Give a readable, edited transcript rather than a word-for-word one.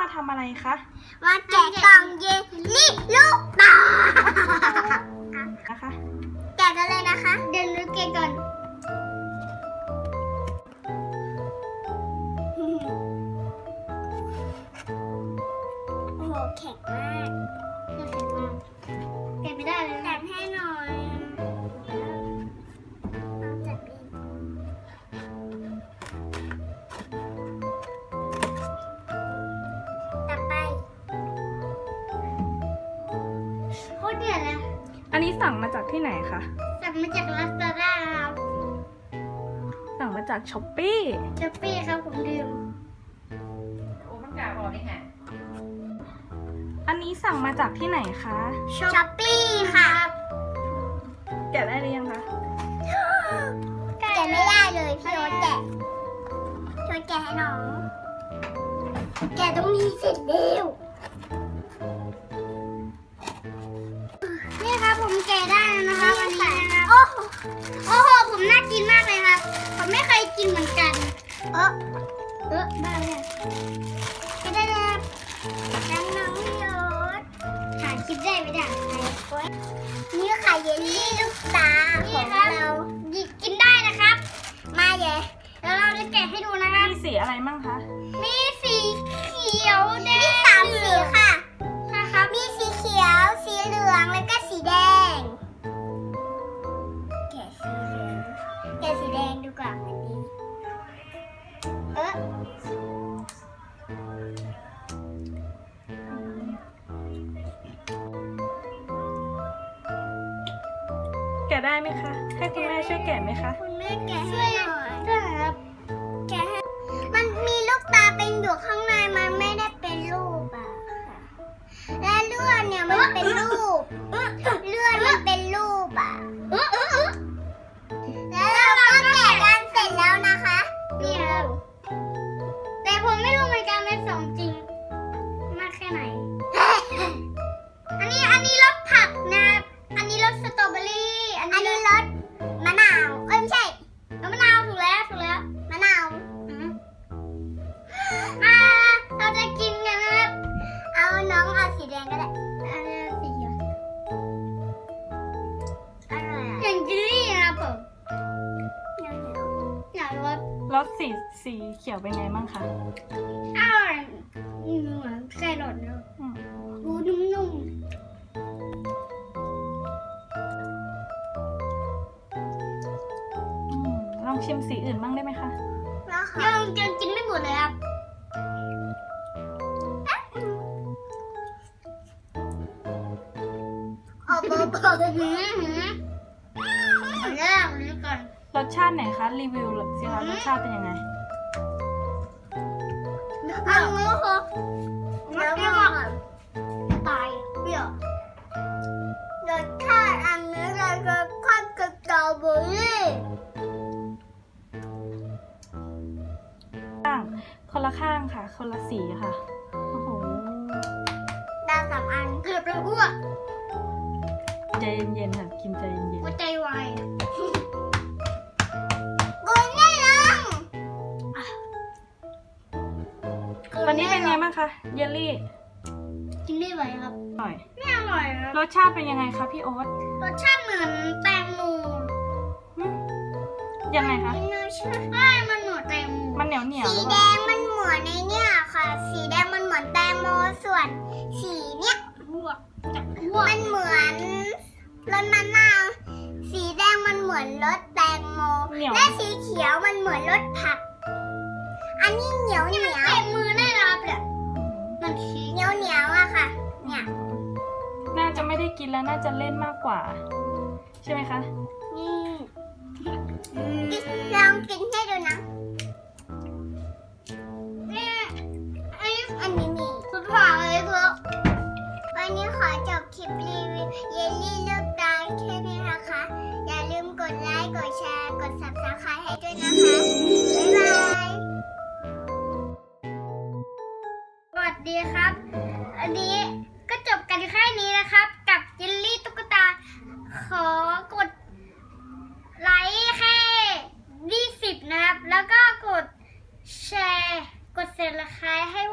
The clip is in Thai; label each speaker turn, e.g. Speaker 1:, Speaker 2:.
Speaker 1: ทำอะไรคะ
Speaker 2: มาแกะกล่องเยลลี่ลูกตา
Speaker 1: นะคะ
Speaker 2: แกะกันเลยนะคะเดี๋ยวนึกแกะก่อนโอ้โหแข็งมากแกะไม่ได้เลยแกะให้หน่อยจัดเองต่อไปโคตรเดือดเลย
Speaker 1: อันนี้สั่งมาจากที่ไหนคะ
Speaker 2: สั่งมาจากลาซาด้าครับ
Speaker 1: สั่งมาจากช้อปปี้
Speaker 2: ช้อปปี้ครับผมดื่ม
Speaker 3: โอ้มันกาบอกได้ไง
Speaker 1: อันนี้สั่งมาจากที่ไหนคะ
Speaker 2: ช้อปปี้ครับ
Speaker 1: แกะได้หรือยังคะ
Speaker 2: แกะไม่ได้เลยพี่โอ๊ตแกะช่วยแกะให้น้องแกะตรงนี้เสร็จแล้วนี่ครับผมแกะได้แล้วนะคะวันนี้นะครับโอ้โหผมน่ากินมากเลยครับผมไม่เคยกินเหมือนกันบ้าเลยแกะได้แล้วน้องพี่โอ๊ตถ่ายคลิปได้ไม่ได้นี่ค่ะเยลลี่ลูกตาของเรากินได้นะครับมาเดี๋ยวแล้วเราจะแกะให้ดูนะครับ
Speaker 1: มีสีอะไรมั่งคะ
Speaker 2: มีสีเขียวแดงมี3 สีค่ะครับมีสีเขียวสีเหลืองแล้วก็สีแดงแกะสีเหลืองแกะสีแดงดูก่อนอันนี้
Speaker 1: แกะได้ไหมคะให้คุณแม่ช่วยแกะไหมคะ
Speaker 2: คุณแม่แกะให้หน่อยครับแกะให้มันมีลูกตาเป็นอยู่ข้างในมันไม่ได้เป็นรูปอ่ะและเลือดเนี่ยมันเป็นรูปเลือดมันเป็นรูปอ่ะแล้วเราก็แกะกันเสร็จแล้วนะคะนี่ครับแต่ผมไม่รู้เหมือนกันเป็นของจริงมากแค่ไหนอันนี้รสผักนะครับอันนี้รสสตรอเบอรี่อันนี้รสมะนาวไม่ใช่รสมะนาวถูกแล้วมะนาวเราจะกินกันนะครับเอาน้องเอาสีแดงก็ได้อันนี้สีเขียวอะไรอย่างเจลลี่นะครับผมอยาก
Speaker 1: รสสีเขียวเป็นไงมั่งคะ
Speaker 2: อร่อยเหมือนไก่หลอดเลยดูนุ่ม
Speaker 1: ลองชิมสีอื่นบ้างได้ไหมคะ
Speaker 2: ยังกินไม่หมดเลยครับเบอร์เอาแรกนี้ก่อน
Speaker 1: รสชาติไหนคะรีวิวสิคะรสชาติเป็นยังไง
Speaker 2: อันนี้คือแล้วก็ตายเปรี้ยวรสชาติอันนี้เลยรสชาติสตรอเบอรี่
Speaker 1: คนละข้างค่ะคนละสีค่ะโอ้โห
Speaker 2: ดาว3 อันเกือบจะอ้วก
Speaker 1: ใจเย็นๆค่ะกินใจเย็น
Speaker 2: ๆใจวายกุยไม่ลง
Speaker 1: วันนี้เป็นไงบ้างคะเยลลี่
Speaker 2: กินไม่ไหวครับ
Speaker 1: อร่อย
Speaker 2: ไม่อร่อยครับ
Speaker 1: รสชาติเป็นยังไงคะพี่โอ๊ต
Speaker 2: รสชาติเหมือนแตงโม
Speaker 1: ยังไงคะ
Speaker 2: ใช่มันเหมือนแตงโม
Speaker 1: มันเหนียว
Speaker 2: สีแดงมันเหมือนในเนี่ยค่ะสีแดงมันเหมือนแตงโมส่วนสีเนี้ยมันเหมือนรสมะนาวสีแดงมันเหมือนรสแตงโมและสีเขียวมันเหมือนรสผักอันนี้เหนียวเต็มมือได้รับเลยมันเหนียวอะค่ะเนี่ย
Speaker 1: น่าจะไม่ได้กินแล้วน่าจะเล่นมากกว่าใช่ไหมคะ
Speaker 2: ลองกินให้ดูนะอันนี้มีสุดหวานเลยคือวันนี้ขอจบคลิปรีวิวเยลลี่ลูกตาลแค่นี้นะคะอย่าลืมกดไลค์กดแชร์กด Subscribe ให้ด้วยนะคะบ๊ายบายสวัสดีครับอันนี้ก็จบกันแค่นี้นะครับกับเยลลี่ตุ๊กตาขอกดไลค์แค่20นะครับแล้วก็กดแชร์กด Subscribe ให้